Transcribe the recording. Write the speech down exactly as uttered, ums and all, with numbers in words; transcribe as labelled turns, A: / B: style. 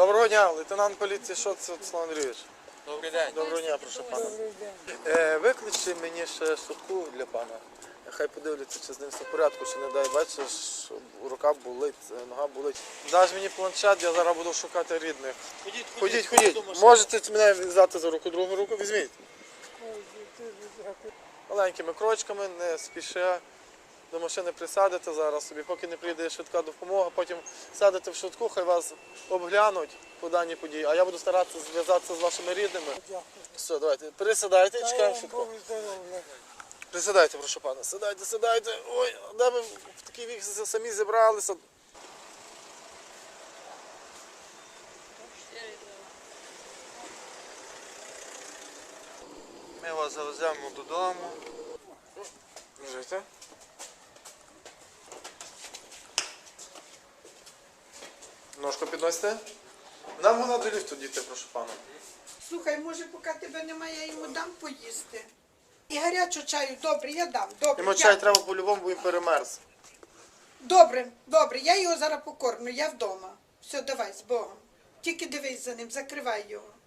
A: Доброго дня, лейтенант поліції Шоц Руслан Андрійович.
B: Добрий день.
A: Доброго дня, прошу пана. Е, викличте мені ще швидку для пана. Хай подивляться, чи з ним все в порядку, чи не дай, бачиш, що рука болить, нога болить. Даш мені планшет, я зараз буду шукати рідних.
B: Ходіть,
A: Ходіть, ходіть. Можете мене взяти за руку, другу руку, візьміть. Маленькими крочками, не спіше. До машини присадите зараз собі, поки не прийде швидка допомога, потім садите в швидку, хай вас обглянуть по даній події, а я буду старатися зв'язатися з вашими рідними. Все, давайте, пересідайте і чекаємо швидко. Присідайте, прошу пана, сідайте, сідайте. Ой, де ви в такий вік самі зібралися?
B: Ми вас завеземо додому.
A: Жити. Ножку підносите? Нам вона до ліфту, діти, прошу пана.
C: Слухай, може, поки тебе немає, я йому дам поїсти. І гарячого чаю, добре, я дам. Добре,
A: Йому
C: я...
A: чай треба по-любому, бо він перемерз.
C: Добре, добре, я його зараз покормлю, я вдома. Все, давай, з Богом. Тільки дивись за ним, закривай його.